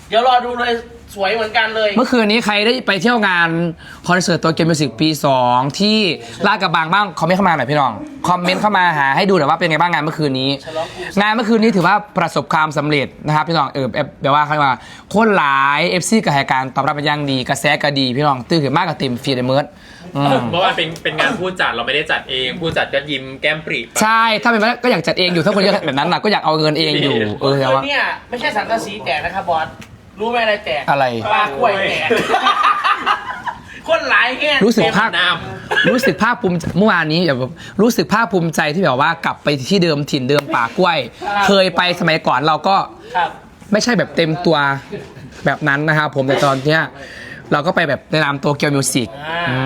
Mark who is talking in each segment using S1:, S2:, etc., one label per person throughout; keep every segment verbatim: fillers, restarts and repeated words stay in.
S1: เดี๋ยวรอดูเลยสวยเหมือนกันเลย
S2: เมื่อคืนนี้ใครได้ไปเที่ยวงานคอนเสิร์ตตัวเกมมิวสิกปีสองที่ลาดกระบังบ้างคอมเมนต์เข้ามาหน่อยพี่น้องคอมเมนต์เข้ามาหาให้ดูหน่อยว่าเป็นไงบ้างงานเมื่อคืนนี้งานเมื่อคืนนี้ถือว่าประสบความสำเร็จนะครับพี่น้องเออแบบว่าเขาว่าโคตรหลายเอฟซีกับรายการตอบรับเป็นอย่างดีกระแสก็ดีพี่น้องตื่นขึ้นมากกับเต็มฟีดเมิร์ด
S3: เมื่อวานเป็นเป็นงานผู้จัดเราไม่ได้จัดเองผู้จัดก็ยิ้มแก้มปรี
S2: ใช่ถ้าเป็นไปได้ก็อยากจัดเองอยู่ถ้าคนเยอะแบบนั้นนะก็อยากเอาเงินเองอยู่เออแต่ว่า
S1: เนี่ยไม่ใช่สังกะสีแตกนะครับบอสรู้ไหมอะไรแตก
S2: อะไร
S1: ปลากล้วยแตกคนหลายแห่
S2: รู้สึกภาค
S3: น้
S2: รู้สึกภาคภูมิใจเมื่อวานนี้แบบรู้สึกภาคภูมิใจที่แบบว่ากลับไปที่เดิมถิ่นเดิมป่ากล้วย เคยไปสมัยก่อนเราก็
S1: ครับ
S2: ไม่ใช่แบบเต็มตัวแบบนั้นนะครับผมแต่ตอนเนี้ยเราก็ไปแบบในนามโตเกียวมิวสิก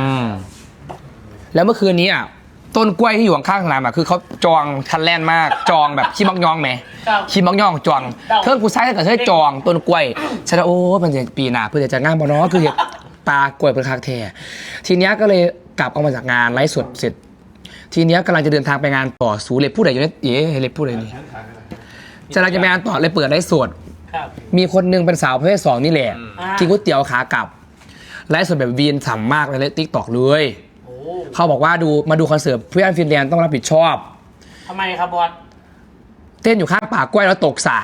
S2: แล้วเมื่อคืนนี้อ่ะต้นกล้วยที่อยู่ข้างๆสนามอ่ะคือเขาจองทันแลนมากจองแบบขี้มักยองไหม
S1: ครับ
S2: ขี้มักยองจองเทิร์นกูซ้ายถ้าเกิดเธอจองต้นกล้วยฉันว่าโอ้มันจะปีหน้าเพื่อจะงานบอเนาะคือตากล้วยเป็นคาแท้ทีเนี้ยก็เลยกลับออกมาจากงานไลฟ์สดเสร็จ ทีเนี้ยกำลังจะเดินทางไปงานต่อสูเลยพูดอะไรอยู่เนี่ยเอ๋เลยพูดอะไรนี่จะกำลังจะไปงานต่อเลยเปิดไลฟ์สด
S1: ครับ
S2: มีคนหนึงเป็นสาวประเภทสองนี่แหละ
S1: อ่า
S2: กินก๋วยเตี๋ยวขากลับไลฟ์สดแบบวีนฉ่ำมากเลยติ๊กตอกเลย
S1: โอ้
S2: เขาบอกว่าดูมาดูคอนเสิร์ตเพื่อนฟินแลนด์ต้องรับผิดชอบ
S1: ทำไมครับบอส
S2: เต้นอยู่ข้างป่ากล้วยแล้วตกสระ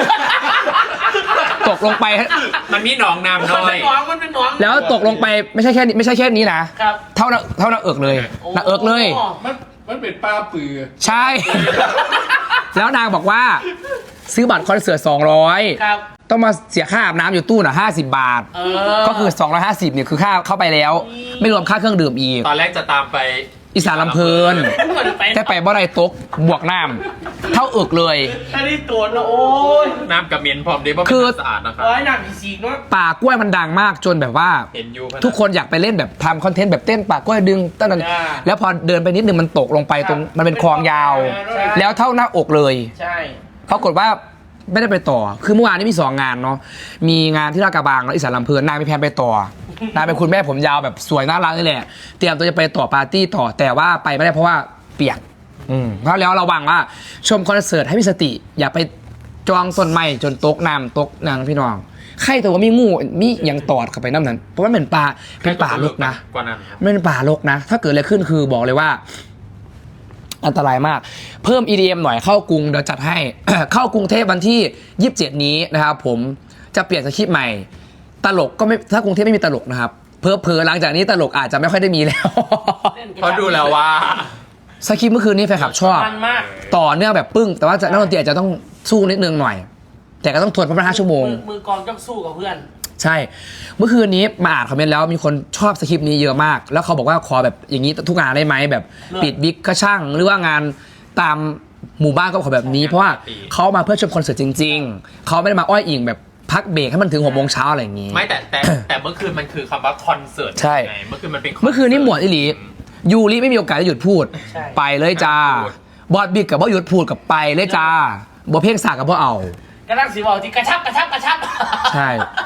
S2: ตกลงไป
S3: ำมันมีหนองน้ำ
S1: มัน
S3: น้อ
S1: เป็
S3: ย
S1: นหนองมันเป็นหนอง
S2: แล้วตกลงไปไม่ใช่แค่นี้ไม่ใช่แค่นี้นะครับ เท่าหน้าเท่าหน้าเอิกเลยหน้าเอิกเลย
S1: โ
S4: มันมันเป็นป้าปือ
S2: ใช่ แล้วนางบอกว่า ซื้อบัตรคอนเสิร์ตสองร้อย
S1: ครับ
S2: ต้องมาเสียค่าอาบน้ำอยู่ตู้น่ะห้าสิบบาท
S1: เออ
S2: ก็คือสองร้อยห้าสิบเนี่ยคือค่าเข้าไปแล้ว ไม่รวมค่าเครื่องดื่มอีก
S3: ตอนแรกจะตามไป
S2: อีสานลำเพลิน
S1: เหมือนไป
S2: แต่ไปบ่ได้ตกบวกน้ำเท่าเอิกเลย
S1: อันนี้ตัวนะโอ้ย
S3: น้ำกับเมียนพร้อมเด้เพราะ
S2: คื
S3: เป็น
S2: อ
S3: น้ำสะอาดนะครับ
S1: ร้อยหนักอีสีกเนาะ
S2: ป่ากล้วยมันดังมากจนแบบว่า
S3: เห็นอยู่
S2: ทุกคนอยากไปเล่นแบบทำคอนเทนต์แบบเต้นป่ากล้วยดึงต้นนั้น
S1: อ่า
S2: แล้วพอเดินไปนิดนึงมันตกลงไปตรงมันเป็นคลองยาว
S1: ใช่
S2: แล้วเท่าหน้าอกเลย
S1: ใช่
S2: ปรากฏว่าไม่ได้ไปต่อ คือเมื่อวานนี้มีสองงานเนาะ มีงานที่ลาดกระบังแล้วอีสานลำเพลินนางมีแพลนไปต่อนางเป็นคุณแม่ผมยาวแบบสวยน่ารักนี่แหละ เตรียมตัวจะไปต่อปาร์ตี้ต่อ แต่ว่าไปไม่ได้เพราะว่าเปียก อืมเพราะแล้วระวังว่าชมคอนเสิร์ตให้มีสติ อย่าไปจองต้นไม้จนตกน้ำตกนางพี่น้อง ใครแต่ว่ามีงูมีอย่างตอดเข้าไปน้ำนั้น เพราะมันเป็นป่าเป็นป่าลกนะ
S3: กว่านั้นครับ
S2: ไม่เป็นป่ารกนะ ถ้าเกิดอะไรขึ้นคือบอกเลยว่า อันตรายมาก เพิ่ม อี ดี เอ็ม หน่อยเข้ากรุงเดี๋ยวจัดให้ เข้ากรุงเทพวันที่ยี่สิบเจ็ดนี้นะครับผมจะเปลี่ยนสคริปต์ใหม่ ตลกก็ไม่ถ้ากรุงเทพไม่มีตลกนะครับเพอเพอๆหลังจากนี้ตลกอาจจะไม่ค่อยได้มีแล้ว
S3: เพราะดูแล้วว่า
S2: สคริปต์เมื่อคืนนี้แฟนคลับชอบ
S1: มันมาก
S2: ต่อเนื่องแบบปึ้ง แต่ว่าจะนักดนตรีอาจจะต้องสู้นิดนึงหน่อย แต่ก็ต้องทวนเพราะมันห้าชั่วโมง
S1: มือมือกองต้องสู้กับเพื่อน
S2: ใช่ เมื่อคืนนี้มาอ่านคอมเมนต์แล้วมีคนชอบสคริปต์นี้เยอะมาก แล้วเขาบอกว่าขอแบบอย่างนี้ทุกงานได้ไหมแบบ
S1: เลิศ
S2: ปิดบิ๊กก็ช่าง หรือว่างานตามหมู่บ้านก็ขอแบบนี้ เพราะว่าเขามาเพื่อชมคอนเสิร์ตจริง ๆ เขาไม่ได้มาอ้อยอิงแบบพักเบรกให้มันถึงหกโมงเช้าอะไรอย่างนี้
S3: ไม่แต่แต่แต่เมื่อคืนมันคือคำว่าคอนเสิร์ต
S2: ใช่
S3: ไงเมื่อคืนมันเป็น
S2: เมื่อคืนนี้หมวดอิหลียูริไม่มีโอกาสได้หยุดพูด
S1: ใช่
S2: ไปเลยจ้า บอดบิ๊กกับบ่หยุดพูดกับไปเลยจ้าบ่เพ่งสากกับบ่เอา
S1: กระทั่งสีบอกที่กระชับกระชับกระชับ
S2: ใช่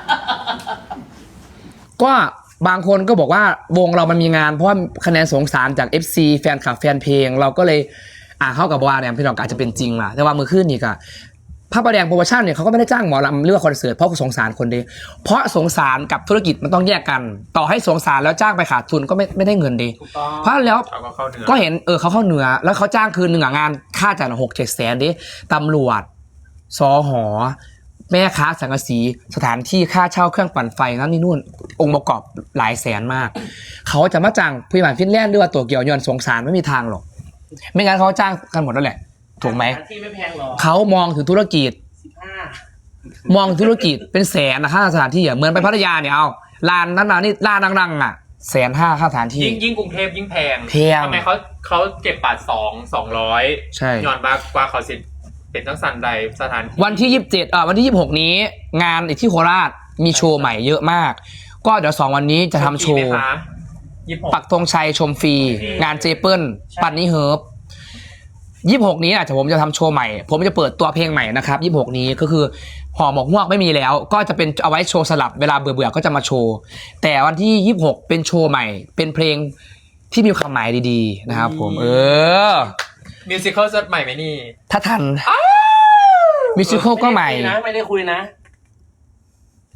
S2: ก็บางคนก็บอกว่าวงเรามันมีงานเพราะว่าคะแนนสงสารจาก เอฟ ซี แฟนคลับแฟนเพลง เราก็เลยอ่าเข้ากับว่าเนี่ยพี่น้องก็อาจจะเป็นจริงล่ะแต่ว่ามือขึ้นนี่ก็พระประแดงโปรโมชั่นเนี่ยเขาก็ไม่ได้จ้างหมอลำเลือกคอนเสิร์ตเพราะสงสารคนเดียวเพราะสงสารกับธุรกิจมันต้องแยกกัน ต่อให้สงสารแล้วจ้างไปขาดทุนก็ไม่ไม่ได้เงินดี
S1: ถูกต้อง
S2: เพราะแล้ว
S3: เขาก็เข้าเนื้อ
S2: ก็เห็นเออเขาเข้าเหนือแล้วเขาจ้างคืนหนึ่งอะงานค่าจ่ายหกเจ็ดแสนดิตำรวจสอหอแม่ค้าสังกะสีสถานที่ค่าเช่าเครื่องปั่นไฟนั่นนี่นู่น องค์ประกอบหลายแสนมาก เขาจะมาจ้างผู้บริหารฟินแลนด์หรือว่าตัวเกี่ยวยอนสงสารไม่มีทางหรอก ไม่งั้นเขาจ้างกันหมดแล้วแหละ ถูกไหม
S1: ที่ไม่แพงหรอก
S2: เขามองถึงธุรกิจ
S1: สิบห้าม
S2: องธุรกิจเป็นแสนนะค่าสถานที่อ่ะเหมือนไปพัทยาเนี่ยเอาลานนั้นนะนี่ลานดังๆอ่ะแสนห้าค่าสถานที่
S3: ยิ่งยิ่งกรุงเทพยิ่งแพง
S2: แพง
S3: ทำไมเขาเขาเก็บบัตรสองสองร้อย
S2: ใช่
S3: ย้อนบากกว่าเขาสิเป็นทั้งสันใดสถานที่
S2: วันที่ยี่สิบเจ็ดเอ่อวันที่ยี่สิบหกนี้ งานอีกที่โคราชมีโชว์ใหม่เยอะมาก ก็เดี๋ยวสองวันนี้จะทำโชว์
S3: ยี่สิบหก
S2: ปักธงชัยชมฟรีงานเจเปิลปันนี่เฮิร์บยี่สิบหกนี้อาจจะผมจะทำโชว์ใหม่ ผมจะเปิดตัวเพลงใหม่นะครับยี่สิบหกนี้ก็คือห่อหมกฮวกไม่มีแล้ว ก็จะเป็นเอาไว้โชว์สลับเวลาเบื่อๆก็จะมาโชว์แต่วันที่ยี่สิบหกเป็นโชว์ใหม่ เป็นเพลงที่มีความหมายดีๆนะครับผมเออ
S3: มิวสิควลสดใหม่ไหมนี่
S2: ถ้าทันมิวสิควลก็ใหม่
S1: นะไม่ได้คุยนะ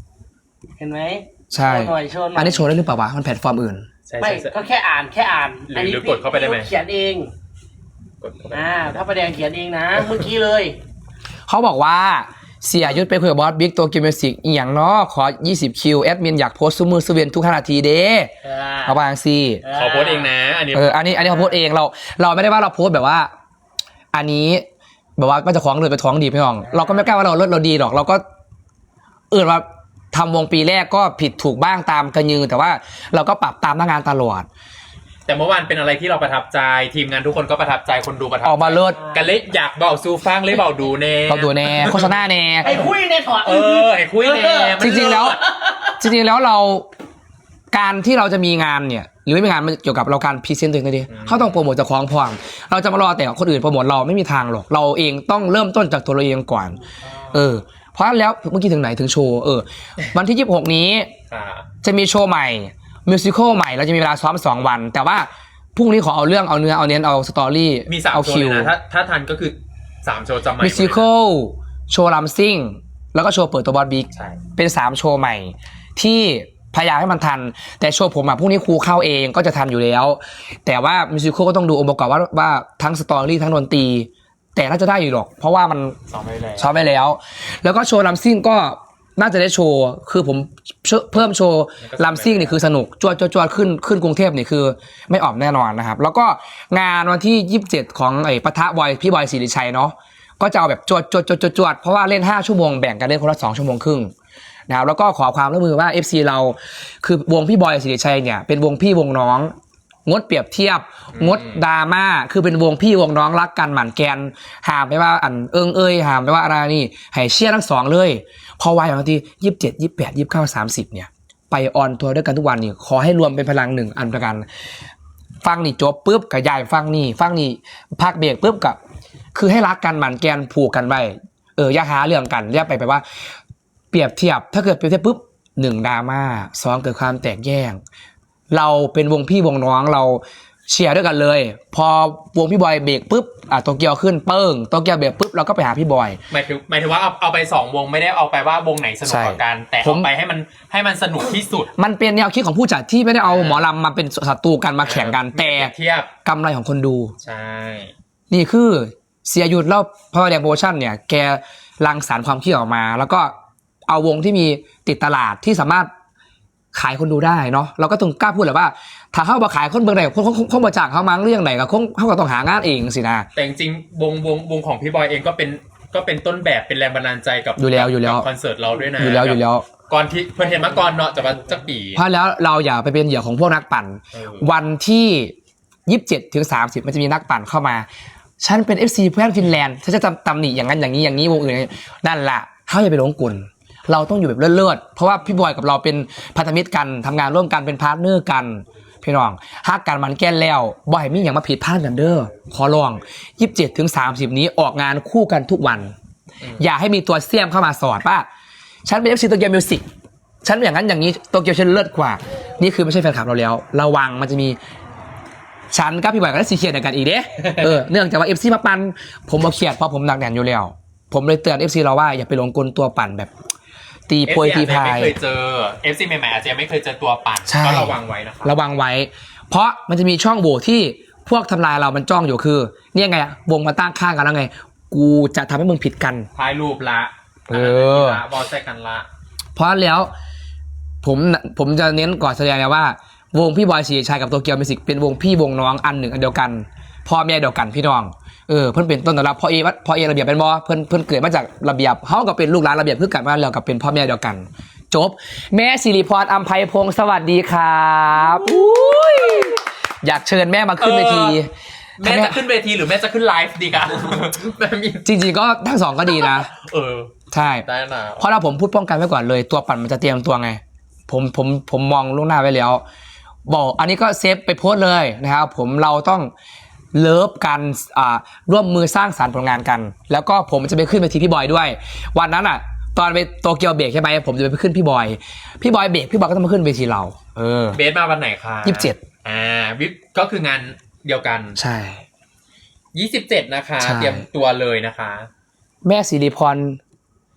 S1: ห็นไหม
S2: ใช่
S1: โชว์หน่อยโชว์หน่อย
S2: อันนี้โชว์ได้หรือเปล่าวะมันแพลตฟอร์มอื่น
S3: ใช่
S1: ไม่
S3: ใช่ใช่
S1: ก็แค่อ่านแค่อ่าน
S3: หรือหรือกดเข้าไปได้ไหม
S1: เขียนเอง
S3: กดเข้าไป
S1: อ่าพระประแดงเขียนเองนะเมื่อกี้เลย
S2: เขาบอกว่าเสียยุทธไปคุยกับบอสบิ๊กตัวเกมเมสิกอีหยังเนาะขอยี่สิบคิวแอดมินอยากโพสต์ซูมือซูเวียนทุกห้านาทีเด้
S1: เออ
S2: เขาบางซี
S3: ขอโพสต์เองนะ อันนี้
S2: เอออันนี้อันนี้เขาโพสต์เองเรา เราไม่ได้ว่าเราโพสต์แบบว่า อันนี้แบบว่าก็จะคล้องเลยไปท้องดีพี่น้อง เราก็ไม่กล้าว่าเราเลิศเราดีหรอก เราก็เออว่าทำวงปีแรกก็ผิดถูกบ้างตามกระยือแต่ว่าเราก็ปรับตามหน้างานตลอด
S3: แต่เมื่อวานเป็นอะไรที่เราประทับใจทีมงานทุกคนก็ประทับใจคนดูประทับ
S2: ออกมาเลิศ
S3: กันเลยอยากเบาซูฟังเลยเบาดูแน่
S2: เราดูแน่โฆษณาแน่
S1: ไอ้คุยในถอด
S3: เออไอ้คุยแน่มัน
S2: จริงๆแล้ว จริงๆแล้วเราการที่เราจะมีงานเนี่ยหรือไม่มีงานมันเกี่ยวกับเราการพรีเซนต์ตัวเองเลยดิเขาต้องโปรโมทจากของพร้อมเราจะมารอแต่คนอื่นโปรโมทเราไม่มีทางหรอกเราเองต้องเริ่มต้นจากตัวเราเองก่อนเออเพราะแล้วเมื่อกี้ถึงไหนถึงโชว์เออวันที่ยี่สิบหกนี้
S3: ค่ะ
S2: จะมีโชว์ใหม่มิวสิควลใหม่เราจะมีเวลาซ้อมสองวัน แต่ว่าพรุ่งนี้ขอเอาเรื่องเอาเนื้อเอาเน้นเอาสตอรี่
S3: มีสาม
S2: เอา
S3: โชว์
S2: คิ
S3: เล
S2: วย
S3: นะถ้าถ้าทันก็คือสามโชว์จำใหม่หม
S2: มิ
S3: ด
S2: ว
S3: เลย
S2: สิ
S3: นะ
S2: ควลโชว์ลัมซิ่งแล้วก็โชว์เปิดตัวบอสบิ๊ก
S3: ใช่
S2: เป็นสามโชว์ใหม่ที่พยายามให้มันทัน แต่โชว์ผมอ่ะพรุ่งนี้ครูเข้าเองก็จะทันอยู่แล้ว แต่ว่ามิวสิควลก็ต้องดูองค์ประกอบว่าว่าทั้งสตอรี่ทั้งดนตรีแต่น่าจะได้อยู่หรอก เพราะว่ามัน
S3: ซ้อมไว้แล้ว
S2: ซ้อมไปแล้ว แล้วก็โชว์ลัมซิ่งก็น่าจะได้โชว์คือผมเพิ่มโชว์ลัมซิ่งนี่คือสนุกจวดจวดจวดขึ้นขึ้นกรุงเทพนี่คือไม่ออกแน่นอนนะครับแล้วก็งานวันที่ยี่สิบเจ็ดของไอ้ปะทะบอยพี่บอยศิริชัยเนาะก็จะเอาแบบจวดจวดจวดจวดจวดเพราะว่าเล่นห้าชั่วโมงแบ่งกันเล่นคนละสองชั่วโมงครึ่งนะครับแล้วก็ขอความร่วมมือว่า เอฟ ซี เราคือวงพี่บอยศิริชัยเนี่ยเป็นวงพี่วงน้องงดเปรียบเทียบงดดราม่าคือเป็นวงพี่วงน้องรักกันหมั่นแกนห้ามไม่ว่าอันเอิงเอ้ยห้ามไม่ว่าอะไรนี่ให้เชียร์ทั้งสองเลยพอวัยบางทียี่สิบเจ็ดยี่สิบแปดยี่สิบเก้าสามสิบเนี่ยไปออนทัวร์ด้วยกันทุกวันนี่ขอให้รวมเป็นพลังหนึ่งอันประกันฟังนี่จบปุ๊บกับยายฟังนี่ฟังนี่พักเบรกปุ๊บกับคือให้รักกันหมั่นแกนผูกกันไว้เอออย่าหาเรื่องกันเรียกไปไปว่าเปรียบเทียบถ้าเกิดเปรียบเทียบปุ๊บหนึ่งดราม่าสองเกิดความแตกแยกเราเป็นวงพี่วงน้องเราเชียร์ด้วยกันเลยพอวงพี่บอยเบรกปุ๊บอ่ะโตเกียวขึ้นเปิ้งโตเกียวเบรกปุ๊บเราก็ไปหาพี่บอย
S3: หมายถึงหมายถึงว่าเอาเอาไปสองวงไม่ได้เอาไปว่าวงไหนสนุกกว่ากัน แต่
S2: ผม
S3: เอาไปให้มันให้มันสนุกที่สุด
S2: มันเป็นแนวคิดของผู้จัดที่ไม่ได้เอาหมอลำมาเป็นศัตรูกันมาแข่งกันแต่
S3: เทียบ
S2: กำไรของคนดู
S3: ใช่
S2: นี่คือเสียหยุดแล้วพระแดงโปรโมชั่นเนี่ยแกรังสรรค์ความคิดออกมา แล้วก็เอาวงที่มีติดตลาดที่สามารถขายคนดูได้เนาะเราก็ต้องกล้าพูดเลยว่าถ้าเขามาขายคนเบอร์ไหนคนเขามาจ้างเขามั้งเรื่องไหนก็คงเขาก็ต้องหางานเองสินะ
S3: แต่จริงๆวงวงวงของพี่บอยเองก็เป็นก็เป็นต้นแบบเป็นแรงบันดาลใจกับ
S2: อยู่แล้วอยู่แล้ว
S3: กับคอนเสิร์ตเราด้วยนะ
S2: อยู่แล้วอยู่แล้ว
S3: ก่อนที่เพื่อนเห็นมาก่อนเนาะจะมาจะปี
S2: เพราะแล้วเราอย่าไปเป็นเหยื่อของพวกนักปั่น
S3: เออ
S2: วันที่ยี่สิบเจ็ดถึงสามสิบมันจะมีนักปั่นเข้ามาฉันเป็น เอฟ ซี เพื่อนฟินแลนด์ฉันจะตำหนิอย่างนั้นอย่างนี้อย่างนี้วงอื่นนั่นแหละเขาอย่าไปหลงกลเราต้องอยู่แบบเลิศๆเพราะว่าพี่บอยกับเราเป็นพันธมิตรกันทำงานร่วมกันเป็นพาร์ทเนอร์กันพี่น้องฮักกันมันแก้นแล้วบ่อยมีอย่างมาผิดพลาดกันเด้อขอลองยี่สิบเจ็ดถึงสามสิบนี้ออกงานคู่กันทุกวัน อย่าให้มีตัวเสี่ยมเข้ามาสอดป่ะฉันเป็น เอฟ ซี โตเกียวมิวสิกฉันอย่างนั้นอย่างนี้โตเกียวฉันเลิศกว่านี่คือไม่ใช่แฟนคลับเราแล้วระวังมันจะมีฉันกับพี่บอยกันได้สีเขียดกันอีกเด้เออเนื่องจากว่า เอฟ ซี มาปั่นผมมาเขียดเพราะผมหนักแน่นอยู่แล้วผมเลยเตือน เอฟ ซี เราว่าอย่าไปหลงกลตัวปั่นแบบตีโพยตีพาย
S3: ไม่เคยเจอ เอฟ ซี ใหม่ๆอาจจะยังไม่เคยเจอตัวปั่น
S2: ใช่
S3: ก็ระวังไว้นะครับ
S2: ระวังไว้ เพราะมันจะมีช่องโหว่ที่พวกทำลายเรามันจ้องอยู่คือเนี่ยไงวงมาตั้งข้างกันแล้วไงกูจะทำให้มึงผิดกัน
S3: ท้ายรูปละ
S2: เออ
S3: ละบอลใส่กันละ
S2: เพราะแล้วผมผมจะเน้นก่อนแสดงเลยว่าวงพี่บอยศรีชัยกับโตเกียวมิวสิกเป็นวงพี่วงน้องอันหนึ่งอันเดียวกันพ่อแม่เดียวกันพี่น้องเออเพื่อนเป็นต้นตำรับพ่อเอพ่อเอระเบียบเป็นบอเพื่อนเพื่อนเกิดมาจากระเบียบเขาก็เป็นลูกหลานระเบียบเพื่อกันมาแล้วกับเป็นพ่อแม่เดียวกันจบแม่สิริพรอัมไพพงศ์สวัสดีครับอุ้ยอยากเชิญแม่มาขึ้นเวที
S3: แม่จะขึ้นเวทีหรือแม่จะขึ้นไลฟ์ดีกัน แม่มี
S2: จริงๆก็ทั้งสองก็ดีนะ
S3: เออ
S2: ใช่
S3: ได้นะ
S2: เพราะเราผมพูดป้องกันไว้ก่อนเลยตัวปั่นมันจะเตรียมตัวไงผมผมผมมองล่วงหน้าไว้แล้วบอกอันนี้ก็เซฟไปโพสต์เลยนะครับผมเราต้องเลิฟกันอ่าร่วมมือสร้างสรรค์ผลงานกัน แล้วก็ผมจะไปขึ้นเวทีพี่บอยด้วยวันนั้นอ่ะตอนไปโตเกียวเบรกใช่ไหมผมจะไปขึ้นพี่บอยพี่บอยเบรกพี่บอยก็ต้องมาขึ้นเวทีเราเออ
S3: เบสมาวันไหนคะ
S2: ยี่สิบเจ็ด
S3: อ่าวิปก็คืองานเดียวกัน
S2: ใช่
S3: ยี่สิบเจ็ดนะคะ
S2: ใช่
S3: เตรียมตัวเลยนะคะ
S2: แม่สิริพร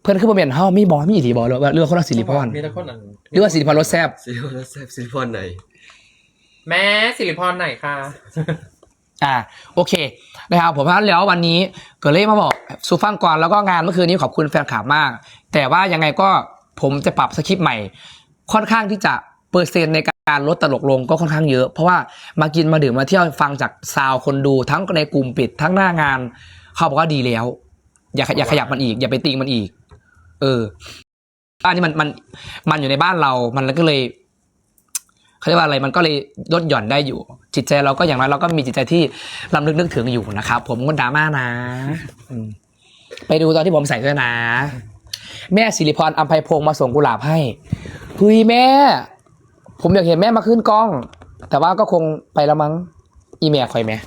S2: เพื่อนขึ้นมาเปลี่ยนเฮ้ามีบอมีอีทีบอหรือว่าเรื่องคนละสิริพร
S3: มีแต่คนนั้น
S2: หรือว่าสิริพรรสแซบ
S5: ซิลิพอนแซบซิลิพอนไหน
S3: แม่สิริพรไหนคะ
S2: อ่าโอเคนะครับผมเพราะฉะนั้นแล้ววันนี้เกิดเล่มาบอกซูฟังก่อนแล้วก็งานเมื่อคืนนี้ขอบคุณแฟนคลับมาก แต่ว่ายังไงก็ผมจะปรับสคริปต์ใหม่ ค่อนข้างที่จะเปอร์เซ็นต์ในการลดตลกลงก็ค่อนข้างเยอะเพราะว่ามากินมาดื่มมาเที่ยวฟังจากซาวคนดูทั้งในกลุ่มปิดทั้งหน้างานเขาบอกว่าดีแล้ว อย่าอย่าขยับมันอีกอย่าไปติงมันอีกเอออันนี้มันมันมันอยู่ในบ้านเรามันก็เลยเขาเรียกว่าอะไรมันก็เลยลดหย่อนได้อยู่ จิตใจเราก็อย่างน้อยเราก็มีจิตใจที่ลำลึกนึกถึงอยู่นะครับผมก็ดราม่านะอืมไปดูตอนที่ผมใส่ด้วยนะ แม่สิริพรอัมไพพงศ์มาส่งกุหลาบให้เฮ้ยแม่ ผมอยากเห็นแม่มาขึ้นกล้อง แต่ว่าก็คงไปแล้วมั้งอีเมลคอยแม่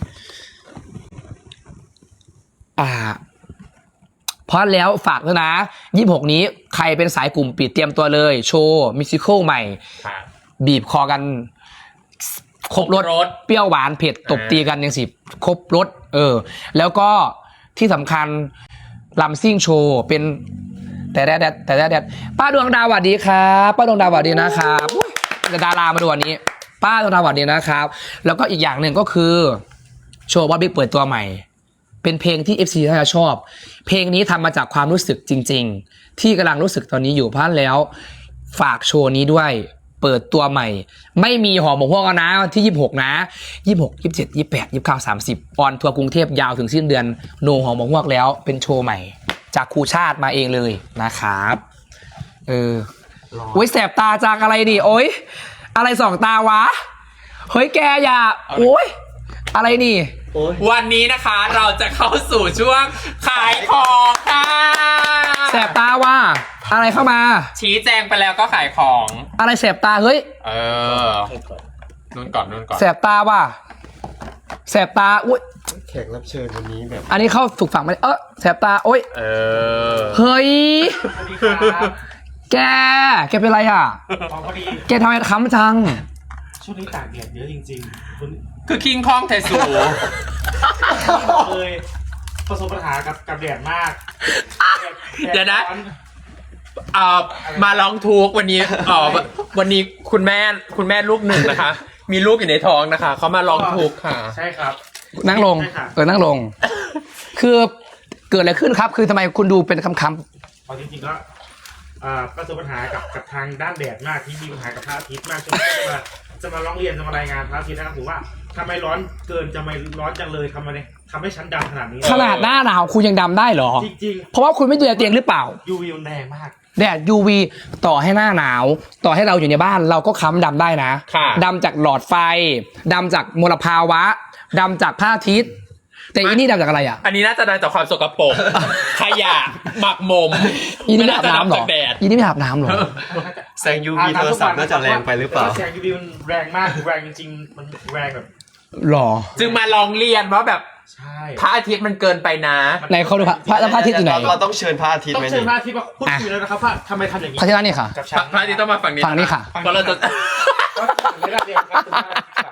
S2: อ่าเพราะแล้วฝากด้วยนะยี่สิบหกนี้ใครเป็นสายกลุ่มปิดเตรียมตัวเลยโชว์มิวสิควลใหม่
S3: ค่ะ
S2: บีบคอกันครบรส
S3: ครบรส
S2: เปรี้ยวหวานเผ็ดตบตีกันยังสิครบรสเออ แล้วก็ที่สำคัญลำซิ่งโชว์เป็นแต่แดดแต่แดดป้าดวงดาวสวัสดีครับป้าดวงดาวสวัสดีนะครับอุ๊ยจะดารามาดูวันนี้ ป้าดวงดาวสวัสดีนะครับ แล้วก็อีกอย่างหนึ่งก็คือโชว์บอสบิ๊กเปิดตัวใหม่ เป็นเพลงที่ เอฟ ซี น่าจะชอบ เพลงนี้ทำมาจากความรู้สึกจริง ๆ ที่กำลังรู้สึกตอนนี้อยู่เพราะฉะนั้นแล้วฝากโชว์นี้ด้วยเปิดตัวใหม่ ไม่มีหอหมกพวกนะที่ยี่สิบหกนะยี่สิบหก ยี่สิบเจ็ด ยี่สิบแปด ยี่สิบเก้า สามสิบออนทัวร์กรุงเทพยาวถึงสิ้นเดือนโนหอหมกพวกแล้วเป็นโชว์ใหม่ จากครูชาติมาเองเลยนะครับเออโอ้ยแสบตาจากอะไรดิโอ้ยอะไรสองตาวะเฮ้ยแกอย่าโอ้ยอะไรนี่
S3: วันนี้นะคะเราจะเข้าสู่ช่วงขายของค่ะ
S2: แสบตาว่ะอะไรเข้ามา
S3: ชี้แจงไปแล้วก็ขายของ
S2: อะไรแสบตาเฮ้ย
S3: เออนู่นก่อนนู่นก่อน
S2: แสบตาว่ะแสบตาอุ้ย
S5: แขกรับเชิญวันนี้แบบ
S2: อันนี้เข้าถูกฝั่งไหมเออแสบตาโอ้ย
S3: เออ
S2: เฮ้ยแกแกเป็นไรอ่ะ
S1: ของพอดี
S2: แกทำไมค้ำจัง
S1: ช่วงนี้ตากแดดเยอะจริงๆคุณ
S3: คือคิงคองไทสู
S1: เคยประสบปัญหากับกับแดดมาก
S3: เดี๋ยวนะ เอ่อมาร้องทุกข์วันนี้เอ่อวันนี้คุณแม่คุณแม่ลูกหนึ่งนะคะ มีลูกอยู่ในท้องนะคะเขามาร้องทุกข์ค่ะ
S1: ใช่ครับ
S2: นั่งลง
S1: ใช่ค่ะ
S2: เออนั่งลง คือเกิดอะไรขึ้นครับ คือทำไมคุณดูเป็นคำคำ
S1: เอาจริงๆก็อ่าประสบปัญหากับกับทางด้านแดดมากที่มีปัญหากับพระอาทิตย์มากจนว่าจะมาร้องเรียนจะมารายงานพระอาทิตย์นะครับถือว่าทำไมร้อนเกินจะไม่ร้อนจังเลยทำไมทำให้ชั้นดำขนาดนี้
S2: ขนาดหน้าหนาวคุณยังดำได้เหรอ
S1: จริง
S2: เพราะว่าคุณไม่ดูแลเตียงหรือเปล่า
S1: ๆ ยู วี มันแรงมาก
S2: แดด ยู วี ต่อให้หน้าหนาว ต่อให้เราอยู่ในบ้านเราก็ค้ำดำได้นะ
S3: ค่ะ
S2: ดำจากหลอดไฟดำจากมลภาวะดำจากพระอาทิตย์ แต่อีนี่ดำจากอะไรอ่ะ
S3: อันนี้น่าจะได้จากความสกปรกขยะหมักหมม
S2: อีนี่ไม่อาบน้ำเหรอ
S3: จากแดด
S2: อีนี่ไม่อาบน้ำเหรอ
S5: แสง ยู วี โทรศัพท์น่าจะแรงไปหรือเปล่า
S1: แสง ยู วี มันแรงมากแรงจริงๆมันแรงแบบ
S2: หรอ
S3: จึงมาลองเรียนว่าแบบ
S1: ใช่
S3: พระอาทิตย์มันเกินไปนะ
S2: ในเขาดูพระพระพระอาทิตย์อยู่ไหน
S5: เราต้องเชิญพระอาทิตย์
S1: ต้อง
S5: ไหม
S1: เชิญ
S5: นี่
S1: พระอาทิตย์มาพูดคุยแล้วนะครับว่าทำไมทำอย่างนี้
S2: พระอาทิตย์นี่ค่ะ
S1: กับฉัน
S3: พระอาทิตย์ต้องมาฝั่งนี้
S2: ฝั่งนี้ค่ะ
S3: เพราะเราจะ
S1: ไม่ได้เรียนครับคุณพระอาทิตย์ค่ะ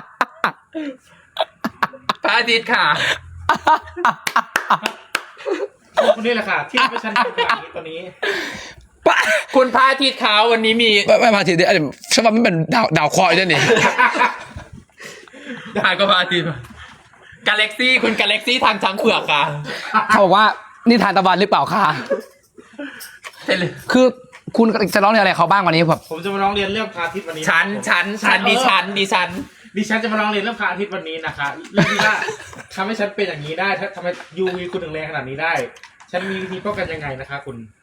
S3: พระอาทิตย์ค่ะ
S1: คนนี้แหละค่ะที่ทำให้ฉันทำแบบนี้ตอนนี้
S3: คุณพระอาทิตย์เขาวันนี้มี
S2: ไม่ไม่พระอาทิตย์เนี่ยฉันว่ามันเป็นดาวดาวเคราะห์ด้วยนี่
S3: หายก็พระอาทิตย์กาแล็กซี่คุณกาแล็กซี่ทางช้างเผือกค่ะ
S2: เขาบอกว่านี่ทานตะวันหรือเปล่าคะ
S3: ใช่เลย
S2: คือคุณจะร้องเรียนอะไรเขาบ้างวันนี้แบบ
S1: ผมจะมาร้องเรียนเรื่องพระอาทิตย์วันนี้
S3: ชั้นชั้นชั้นดิฉันดิฉัน
S1: ดิฉันจะมาร้องเรียนเรื่องพระอาทิตย์วันนี้นะคะเรื่องที่ว่าทำให้ฉันเป็นอย่างนี้ได้ถ้าทำไม ยู วี คุณถึงแรงขนาดนี้ได้ ฉันมีวิธีป้องกันยังไงนะคะคุณ